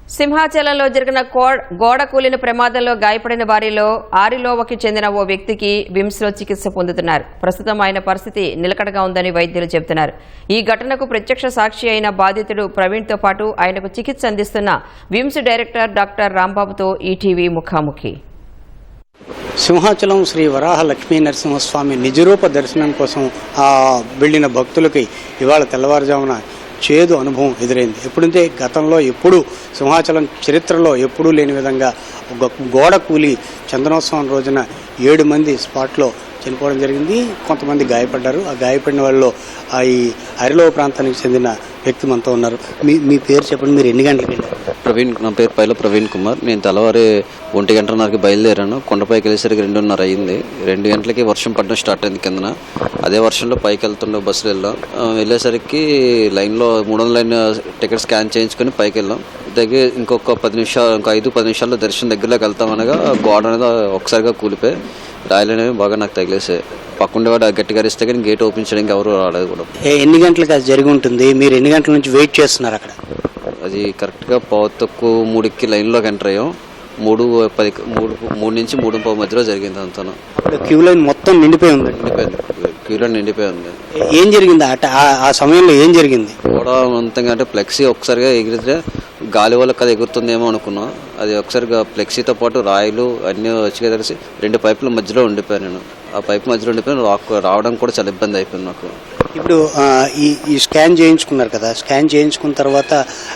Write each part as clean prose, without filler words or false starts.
సింహాచలంలో జరిగిన గోడ కూలిన ప్రమాదంలో గాయపడిన వారిలో ఆరిలోవకి చెందిన ఓ వ్యక్తికి విమ్స్లో చికిత్స పొందుతున్నారు. ప్రస్తుతం ఆయన పరిస్థితి నిలకడగా ఉందని వైద్యులు చెబుతున్నారు. ఈ ఘటనకు ప్రత్యక్ష సాక్షి అయిన బాధితుడు ప్రవీణ్తో పాటు ఆయనకు చికిత్స అందిస్తున్న విమ్స్ డైరెక్టర్ డాక్టర్ రాంబాబుతో ఈటీవీ ముఖాముఖి. సింహాచలం శ్రీ వరాహ లక్ష్మీ నరసింహస్వామి నిజరూప దర్శనం కోసం వెళ్లిన భక్తులకి ఇవాళ తెల్లవారుజామున చేదు అనుభవం ఎదురైంది. ఎప్పుడంటే గతంలో ఎప్పుడూ సింహాచలం చరిత్రలో ఎప్పుడూ లేని విధంగా ఒక గోడ కూలి చందనోత్సవం రోజున 7 మంది స్పాట్లో చనిపోవడం జరిగింది. కొంతమంది గాయపడ్డారు. ఆ గాయపడిన వాళ్ళు ఈ అరిలో ప్రాంతానికి చెందిన వ్యక్తి మనతో ఉన్నారు. మీ పేరు చెప్పండి, మీరు ఎన్ని గంటలకు వెళ్ళారు? ప్రవీణ్, నా పేరు పైల ప్రవీణ్ కుమార్. నేను తెల్లవారి 1:30కి బయలుదేరాను. కొండపైకి వెళ్ళేసరికి 2:30 అయింది. 2 గంటలకి వర్షం పడడం స్టార్ట్ అయింది కిందన. అదే వర్షంలో పైకి వెళ్తుండే బస్సులు వెళ్ళేసరికి లైన్లో 300 లైన్ టికెట్ స్కాన్ చేయించుకొని పైకి వెళ్ళాం. దగ్గర ఇంకొక 5-10 నిమిషాల్లో దర్శనం దగ్గరలోకి వెళ్తామనగా గోడ అనేది ఒకసారిగా కూలిపోయి రాయలు అనేవి బాగా నాకు తగిలేసాయి. పక్కుండేవాడు గట్టిగా అరిస్తే కానీ గేట్ ఓపెన్ చేయడానికి ఎవరు రాలేదు కూడా. ఎన్ని గంటలకు అది జరిగి ఉంటుంది? మీరు ఎన్ని గంటల నుంచి వెయిట్ చేస్తున్నారు అక్కడ? అది కరెక్ట్గా 3:15 లైన్లోకి ఎంటర్ అయ్యాం. 3 నుంచి 3:15 మధ్యలో జరిగింది అంతా. క్యూ లైన్ మొత్తం నిండిపోయి ఉంది. క్యూ లైన్ నిండిపోయి ఉంది. ఏం జరిగింది ఆ సమయంలో? ఏం జరిగింది? కూడా అంతంగా అంటే ఫ్లెక్సీ ఒకసారిగా ఎగిరితే గాలి వల్ల కదా ఎగురుతుందేమో అనుకున్నాం. అది ఒకసారిగా ఫ్లెక్సీతో పాటు రాయిలు అన్నీ వచ్చి కలిసి 2 పైపుల మధ్యలో ఉండిపోయాను. నేను ఆ పైపు మధ్యలో ఉండిపోయాను. రావడం కూడా చాలా ఇబ్బంది అయిపోయింది నాకు. ఇప్పుడు ఈ స్కాన్ చేయించుకున్నారు కదా, స్కాన్ చేయించుకున్న తర్వాత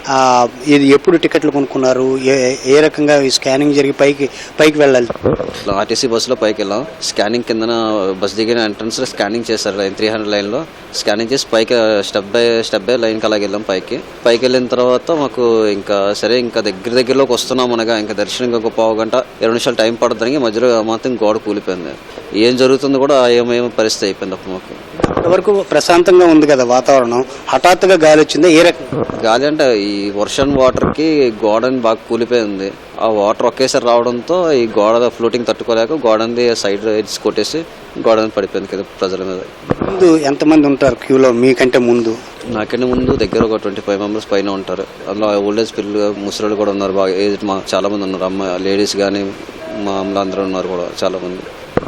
ఇది ఎప్పుడు టికెట్లు కొనుక్కున్నారు? ఏ రకంగా ఈ స్కానింగ్ జరిగి పైకి వెళ్ళాలి? ఆర్టీసీ బస్సులో పైకి వెళ్ళాం. స్కానింగ్ కిందన బస్ దిగిన ఎంట్రన్స్ లో స్కానింగ్ చేశారు. లైన్ 300 లైన్లో స్కానింగ్ చేసి పైకి స్టెప్ బై లైన్కి అలాగే వెళ్ళాం. పైకి వెళ్ళిన తర్వాత మాకు ఇంకా సరే ఇంకా దగ్గరలోకి వస్తున్నాం అనగా ఇంకా దర్శనం ఇంకొక 1/2 గంట 20 నిమిషాలు టైం పడుతుంది. మధ్యలో మాత్రం గోడ కూలిపోయింది. ఏం జరుగుతుందో కూడా ఏమేమో పరిస్థితి అయిపోయింది అప్పుడు మాకు. అంతవరకు ప్రశాంతంగా ఉంది కదా వాతావరణం, హఠాత్తుగా గాలి వచ్చిందా? ఏ రకం గాలి అంటే ఈ వర్షం వాటర్కి గోడని బాగా కూలిపోయింది. ఆ వాటర్ ఒకేసారి రావడంతో ఈ గోడ ఫ్లోటింగ్ తట్టుకోలేక గోడని సైడ్ ఎడ్జ్ కొట్టేసి గోడని పడిపోయింది కదా ప్రజల మీద. ముందు ఎంతమంది ఉంటారు క్యూలో మీకంటే ముందు? నాకంటే ముందు దగ్గర ఒక 25 మెంబర్స్ పైన ఉంటారు. అందులో ఓల్డేజ్ పిల్లలు, ముసలి కూడా ఉన్నారు. బాగా ఏజ్ చాలా మంది ఉన్నారు. అమ్మాయి లేడీస్ కానీ మా అమ్మలు అందరూ ఉన్నారు కూడా చాలా మంది.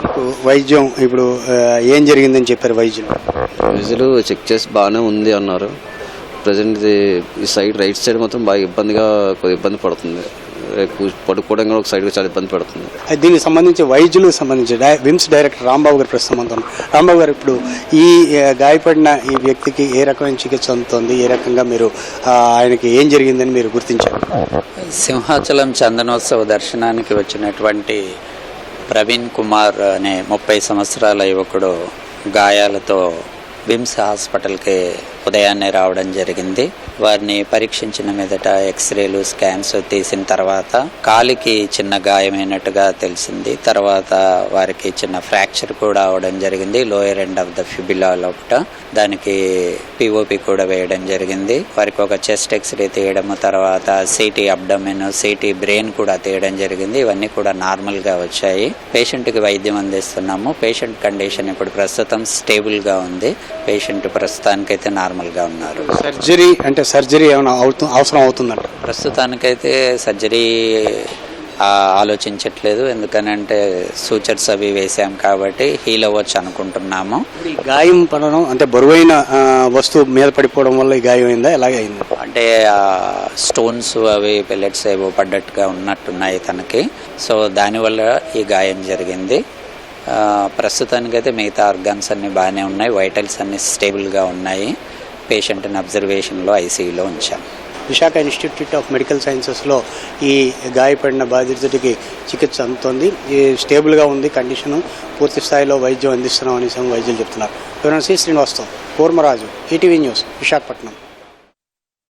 వైద్యం ఇప్పుడు ఏం జరిగిందని చెప్పారు వైద్యులు చెక్ చేసి బాగానే ఉంది అన్నారు. ప్రజెంట్ ఈ సైడ్ రైట్ సైడ్ మాత్రం బాగా కొద్దిగా ఇబ్బంది పడుతుంది. పడుకోవడం కూడా ఒక సైడ్ చాలా ఇబ్బంది పడుతుంది. దీనికి సంబంధించి వైద్యులకు సంబంధించి విమ్స్ డైరెక్టర్ రాంబాబు గారు ప్రస్తుతం. రాంబాబు గారు, ఇప్పుడు ఈ గాయపడిన ఈ వ్యక్తికి ఏ రకమైన చికిత్స అందుతోంది? ఏ రకంగా మీరు ఆయనకి ఏం జరిగిందని మీరు గుర్తించారు? సింహాచలం చందనోత్సవ దర్శనానికి వచ్చినటువంటి ప్రవీణ్ కుమార్ అనే 30 సంవత్సరాల యువకుడు గాయాలతో విమ్స్ హాస్పిటల్కి ఉదయాన్నే రావడం జరిగింది. వారిని పరీక్షించిన మీదట ఎక్స్రేలు, స్కాన్స్ తీసిన తర్వాత కాలికి చిన్న గాయమైనట్టుగా తెలిసింది. తర్వాత వారికి చిన్న ఫ్రాక్చర్ కూడా అవడం జరిగింది. Lower end of the fibula లోపట. దానికి పిఓపి కూడా వేయడం జరిగింది. వారికి ఒక చెస్ట్ ఎక్స్రే తీయడము, తర్వాత సిటీ అబ్డమెన్, సిటీ బ్రెయిన్ కూడా తీయడం జరిగింది. ఇవన్నీ కూడా నార్మల్గా వచ్చాయి. పేషెంట్కి వైద్యం అందిస్తున్నాము. పేషెంట్ కండిషన్ ఇప్పుడు ప్రస్తుతం స్టేబుల్గా ఉంది. పేషెంట్ ప్రస్తుతానికైతే నార్మల్గా ఉన్నారు. సర్జరీ ఏమైనా అవసరం అవుతుందంట? ప్రస్తుతానికైతే సర్జరీ ఆలోచించట్లేదు. ఎందుకనంటే సూచర్స్ అవి వేసాం కాబట్టి హీల్ అవ్వచ్చు అనుకుంటున్నాము. గాయం పడడం అంటే బరువైన వస్తువు మీద పడిపోవడం వల్ల ఈ గాయం అయిందా? ఎలాగే అయింది అంటే స్టోన్స్ అవి పెల్లెట్స్ ఏవో పడ్డట్టుగా ఉన్నట్టున్నాయి తనకి. సో దానివల్ల ఈ గాయం జరిగింది. ప్రస్తుతానికైతే మిగతా ఆర్గాన్స్ అన్ని బాగానే ఉన్నాయి. వైటల్స్ అన్ని స్టేబుల్గా ఉన్నాయి. పేషెంట్ని అబ్జర్వేషన్లో ఐసీయూలో ఉంచాం. విశాఖ ఇన్స్టిట్యూట్ ఆఫ్ మెడికల్ సైన్సెస్లో ఈ గాయపడిన బాధితుడికి చికిత్స అందుతోంది. ఈ స్టేబుల్గా ఉంది కండిషను. పూర్తి స్థాయిలో వైద్యం అందిస్తున్నాం అనేసి వైద్యులు చెప్తున్నారు. శ్రీనివాస్తో కూర్మరాజు, ఈటీవీ న్యూస్, విశాఖపట్నం.